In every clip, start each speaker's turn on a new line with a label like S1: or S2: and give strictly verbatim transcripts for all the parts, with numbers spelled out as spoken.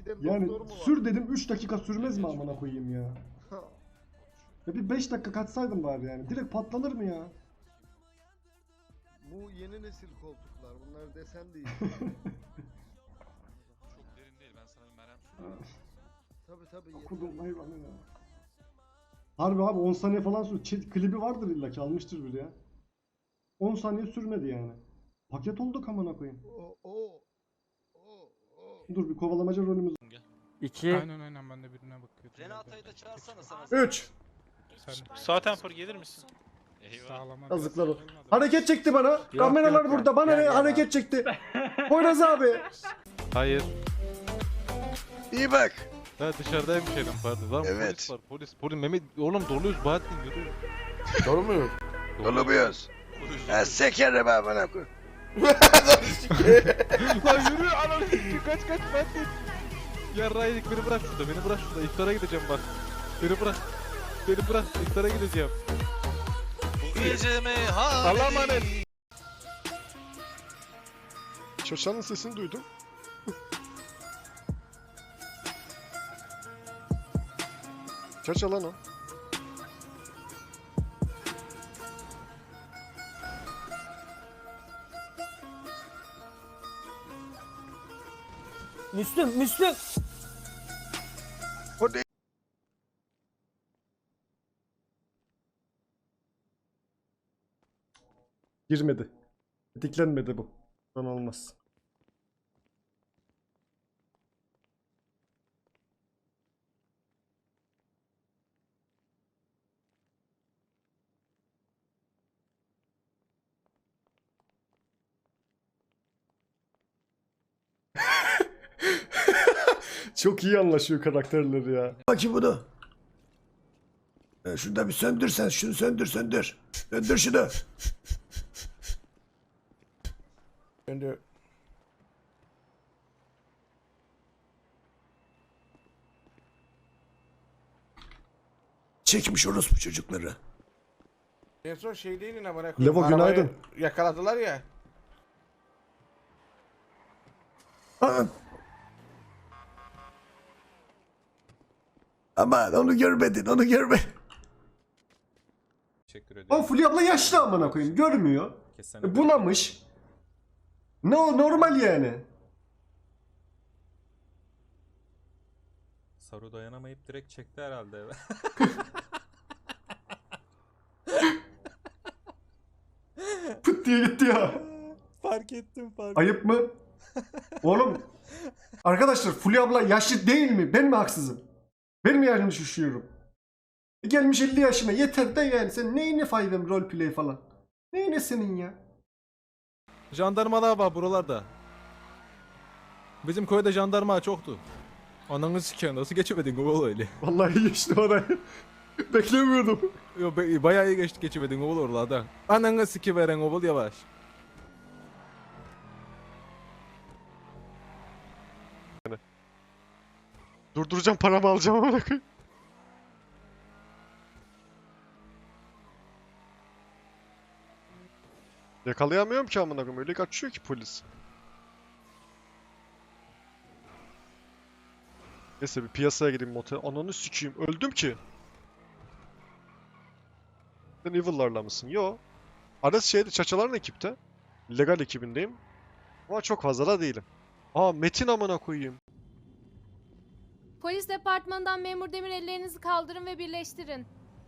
S1: Yani
S2: doktor mu var?
S1: sür dedim üç dakika sürmez mi amına koyayım ya? Ya bir beş dakika kaçsaydım bari yani. Direkt patlanır mı ya?
S2: Bu yeni nesil koltuklar. Bunlar desen değil.
S3: Çok derin değil. Ben sana bir merhem süreyim.
S2: Tabi tabi.
S1: Okudum hayvanı ya. Harbi abi on saniye falan sür. Çet, klibi vardır illa ki almıştır biri ya. on saniye sürmedi yani. Paket olduk amına koyayım.
S2: O o o o.
S1: Dur bir kovalamaca rolümüz.
S4: İki.
S5: Aynen aynen ben de birine bakıyordum.
S6: Renata'yı da çağırsana sana.
S1: üç.
S5: Sen
S7: Sağ temper gelir misin?
S3: Eyvah.
S5: sağlama.
S1: Yazıklar o. Hareket çekti bana. Kameralar
S4: yok,
S1: burada.
S4: yok.
S1: Bana
S4: Gel,
S1: ne
S4: gel
S1: hareket
S4: abi.
S1: çekti. Poyraz abi.
S8: Hayır.
S2: İyi bak.
S8: Ha dışarıdaymış herif pardon. Lan
S2: Evet.
S8: polis var polis. Polis Mehmet oğlum doluyuz Bahattin yürü.
S4: Doğru muyum?
S2: Dolu buyuz. Ha sekerim ha bana koy.
S8: Lan yürü ananı siktir kaç kaç Bahattin. Yarraydık beni bırak şurada beni bırak şurada iftara gideceğim bak. Beni bırak. Beni bırak iftara gideceğim.
S3: Bu gece mi? Ha.
S8: Allah'a emanet.
S2: Çoşanın sesini duydum. Çaça lan o.
S9: Müslüm, Müslüm.
S2: O ne?
S1: Girmedi. Diklenmedi bu. Son olmaz. Çok iyi anlaşıyor karakterleri ya.
S10: Bakayım bunu. E, şunu da bir söndürsen, şunu söndür söndür. Söndür şunu. Söndür. Çekmiş orospu çocukları.
S4: En son şey değilin amına
S1: Levo,
S4: Arabayı
S1: günaydın.
S4: Yakaladılar ya.
S10: Aa. Aman onu görmedin, onu görme.
S8: Teşekkür ederim.
S1: Ama Fulya abla yaşlı amına koyayım. Görmüyor. E, bulamış. Ne o normal yani.
S8: Saru dayanamayıp direkt çekti herhalde eve.
S1: Pıt diye gitti ya.
S8: Fark ettim fark
S1: Ayıp mı? Oğlum. Arkadaşlar Fulya abla yaşlı değil mi? Ben mi haksızım? Ben mi yaşımı şişiyorum? E, gelmiş elli yaşıma. Yeter de yani. Sen neyine faydam roleplay falan? Neyine senin ya?
S8: Jandarmalar var buralarda. Bizim köyde jandarma çoktu. Ananı siken nasıl geçemedin oğul öyle?
S1: Vallahi geçti orayı. Beklemiyordum.
S8: Yo be, bayağı iyi geçti geçemedin oğul oralarda. Ananı sikiveren oğul yavaş.
S2: Durduracağım paramı alacağım amına koyayım. Yakalayamıyorum ki amına koyayım. Öyle kaçıyor ki polis. Neyse bir piyasaya gideyim motel. Ananı sikeyim. Öldüm ki. Sen Evil'larla mısın? Yo. Ares şeyde çaçaların ekipte. Legal ekibindeyim. Ama çok fazla da değilim. Aa Metin amına koyayım.
S11: Polis departmanından memur Demir ellerinizi kaldırın ve birleştirin.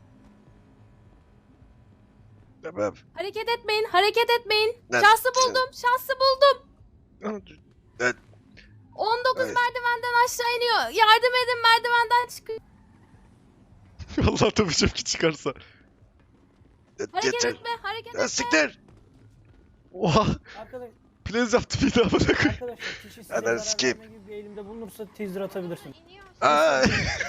S2: Tamam.
S11: Hareket etmeyin, hareket etmeyin.
S2: Ne-
S11: Şahsı buldum, şahsı buldum.
S2: Evet.
S11: on dokuz
S2: Evet.
S11: merdivenden aşağı iniyor. Yardım edin, merdivenden çıkıyor.
S2: Allah tabii ki çıkarsa.
S11: Hareket
S2: Yeter.
S11: etme, hareket
S2: Ya
S11: etme.
S2: siktir. Oha.
S9: Arkadaş,
S2: Plays yaptı bir daha bana koy.
S9: arkadaşlar kişi size
S2: Hadi
S9: zarar
S2: skip.
S9: verme gibi bir eğilimde bulunursa teaser atabilirsin.
S2: Aa.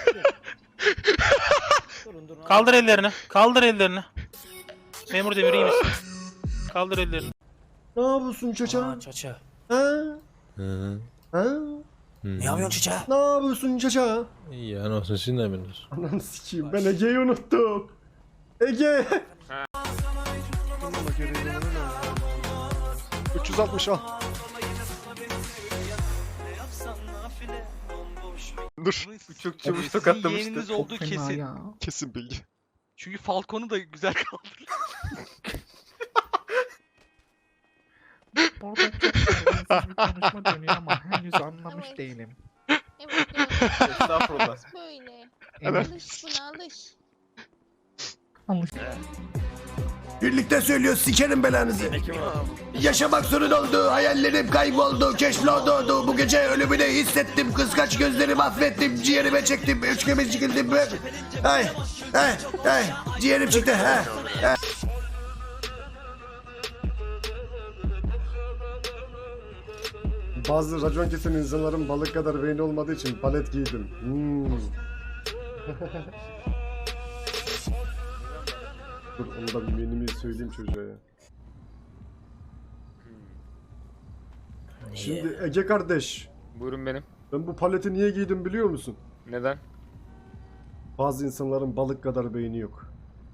S9: Durun durun.
S7: Kaldır ellerini. Kaldır ellerini. Memur Demir iyi misin? Kaldır ellerini.
S1: Ne yapıyorsun çaça?
S9: Aa, çaça.
S1: Ha?
S8: Hı.
S1: Ha?
S9: Ne yapıyorsun çaça?
S1: Ne yapıyorsun çaça?
S8: İyi ya nasıl siz ne biliyorsunuz?
S1: Ananı sikeyim ben Ege'yi unuttum. Ege. üç yüz altmış al.
S2: Dur.
S8: Çok
S3: çabuk tokatlamıştı. Yeğeniniz olduğu kesin.
S2: Kesin bilgi.
S3: Çünkü Falcon'u da güzel kaldırdı.
S5: Orada çok terbiyesiz bir konuşma dönüyor ama henüz anlamış
S11: Evet.
S5: değilim.
S11: Evet, evet.
S4: Estağfurullah.
S11: Böyle.
S2: Evet.
S11: Alış buna alış.
S5: Alış.
S10: Birlikte söylüyor sikerim belanızı. Yaşamak sorun oldu, hayallerim kayboldu, keşfoldu. Bu gece ölümünü hissettim, kıskaç gözlerimi affettim, ciğerime çektim, üç kemiz çıkıldım. Ay, ay, ay, ciğerim çıktı. Ha, ha.
S1: Bazı racon kesen insanların balık kadar beyni olmadığı için palet giydim. Hmm. Dur onu da bir menümü söyleyeyim çocuğa ya. Şimdi Ege kardeş,
S8: Buyurun benim.
S1: ben bu paleti niye giydim biliyor musun?
S8: Neden?
S1: Bazı insanların balık kadar beyni yok.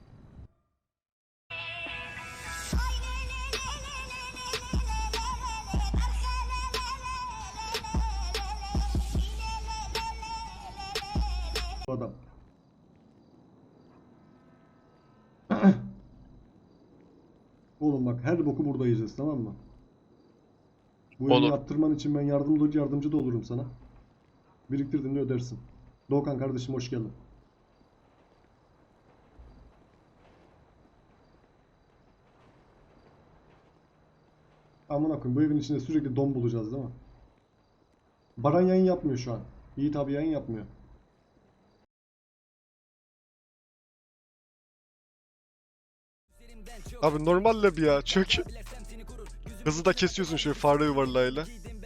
S1: Adam. Oğlum bak her boku burada yiyeceğiz, tamam mı? Bu evini
S3: Olur.
S1: yaptırman için ben yardımcı, yardımcı da olurum sana. Biriktirdiğinde ödersin. Doğukan kardeşim hoş geldin. Amına koyayım, bu evin içinde sürekli don bulacağız değil mi? Baran yayın yapmıyor şu an. Yiğit abi yayın yapmıyor.
S2: Abi normal lab ya. Çök. Hızı da kesiyorsun şöyle fare yuvarlayla.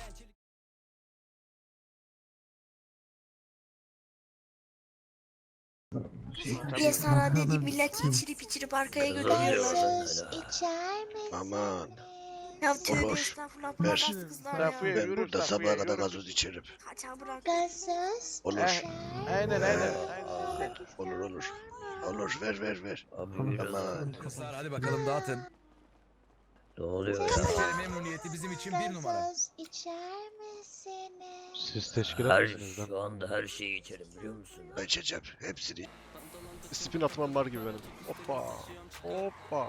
S6: Bir sana dedi millet içirip içirip arkaya götürüyorlar.
S11: içer misin?
S10: Aman.
S6: Ya tövbe
S10: Olur.
S6: estağfurullah bu
S10: Ver.
S6: nasıl kızlar
S4: Lafı
S6: ya.
S4: ye,
S10: Ben
S4: yürü,
S10: burada
S4: lafı
S10: sabaha
S4: ye,
S10: kadar
S4: yürü.
S10: gazoz içerim.
S6: Kaçağı bırak.
S11: Gazoz
S10: Olur.
S11: içer
S4: Aynen aynen.
S11: misin?
S4: aynen.
S10: Olur olur. Olur ver ver ver. Aman.
S9: Kızlar hadi bakalım dağıtın.
S10: Ne oluyor
S9: Memnuniyeti bizim için bir numara.
S11: Gazoz içer misiniz?
S8: Siz teşkilat mısınız lan?
S9: Şu anda her şeyi içerim biliyor musun?
S10: Ben içeceğim hepsini.
S2: Spin atmam var gibi benim. Hoppa. Hoppa.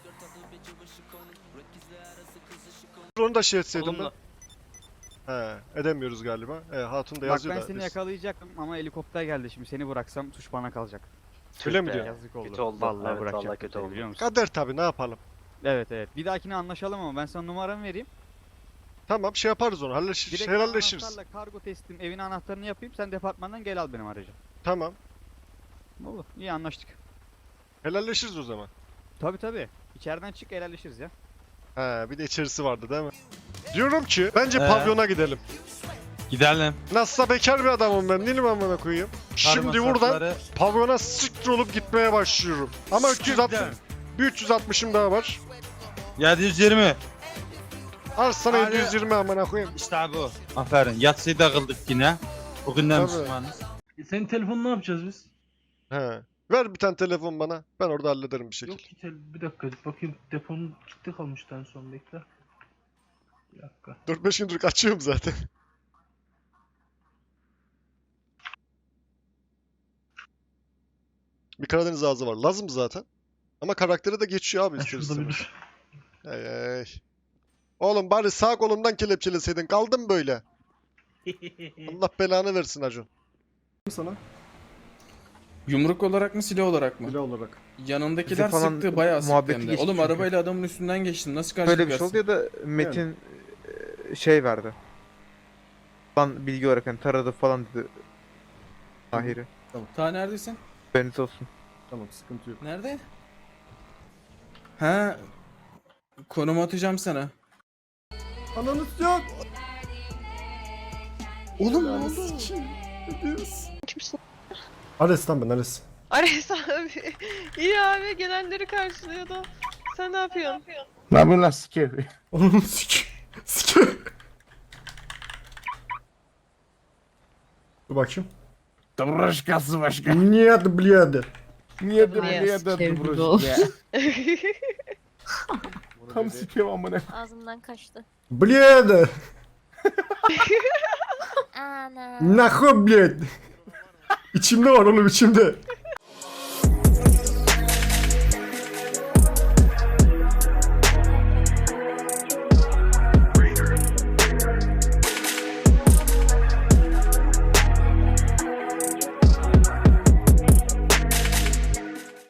S2: Onu da şey etseydim ben. He, edemiyoruz galiba. He, Hatun da
S12: Bak
S2: yazıyor
S12: ben
S2: da.
S12: seni
S2: biz-
S12: yakalayacaktım ama helikopter geldi şimdi seni bıraksam tuş bana kalacak.
S2: Öyle mi diyor?
S12: Yazık oldu.
S8: Kötü oldu.
S12: Vallahi
S8: Evet,
S12: bırakacak
S8: vallahi kötü
S12: seni,
S8: oldu.
S12: biliyor musun?
S2: Kader tabi, ne yapalım.
S12: Evet evet. Bir dahakine anlaşalım ama ben sana numaramı vereyim.
S2: Tamam şey yaparız onu. Halleş
S12: Direkt
S2: helalleşiriz.
S12: anahtarla kargo teslim evin anahtarını yapayım. Sen departmandan gel al benim aracı.
S2: Tamam.
S12: Olur. İyi anlaştık.
S2: Helalleşiriz o zaman.
S12: Tabi tabi. İçeriden çık helalleşiriz ya.
S2: He, bir de içerisi vardı değil mi? Diyorum ki bence
S8: Ee?
S2: pavyona gidelim.
S8: Gidelim.
S2: Nasılsa bekar bir adamım ben, değil mi amına koyayım? Şimdi buradan pavyona siktir olup gitmeye başlıyorum. Ama üç yüz altmış, bir üç yüz altmışım daha var.
S8: yedi yüz yirmi.
S2: Al sana
S8: Hadi.
S2: yedi yüz yirmi amına koyayım.
S8: İşte bu. Aferin. Yatsıyı da kıldık yine. Bugünden
S2: Tabii.
S8: Müslümanız.
S5: Senin telefonu ne yapacağız biz?
S2: He. Ver bir tane telefon bana. Ben orada hallederim bir şekilde.
S5: Yok ki tel bir dakika bakayım deponun çıktı kalmıştı en son bekle. Bir dakika.
S2: dört beş gündür açıyorum zaten. Bir Karadeniz ağzı var. Lazım zaten. Ama karakteri de geçiyor abi
S5: Ha,
S2: ister
S5: şurada bir
S2: istemez.
S5: dur.
S2: Ey ey. Oğlum bari sağ kolundan kelepçeleseydin. Kaldın böyle. Allah belanı versin Acun.
S1: Sana
S5: Yumruk olarak mı silah olarak mı?
S1: bile olarak.
S5: Yanındakiler
S8: Bizi falan
S5: sıktı bayağı sıktı
S8: muhabbeti
S5: hem de.
S8: geçti
S5: Oğlum
S8: çünkü.
S5: arabayla adamın üstünden geçtim nasıl karşı
S8: Böyle bir şey oldu ya da Metin e, şey verdi. Lan bilgi olarak hani taradı falan dedi. Mahir'i.
S5: Ta neredesin?
S8: Haberiniz olsun.
S1: Tamam sıkıntı yok.
S5: Nerede? Ha konum atacağım sana.
S1: Ananız yok.
S6: Oğlum ne oldu?
S11: Kimsin?
S1: Ares lan ben Ares.
S11: Ares abi. İyi abi gelenleri karşılıyordu. Sen ne yapıyorsun?
S8: Ne yapıyorsun lan sikir?
S1: Onun sik. Sik. Dur bakayım.
S8: Taburaşkası başka.
S1: Нет, блядь.
S8: Niye de
S11: Niye
S8: niye de taburaşka? Tam sikiyorum amına.
S11: Ağzımdan kaçtı.
S1: Блядь.
S11: Ana.
S1: Нахуй, блядь. İçimde var oğlum içimde.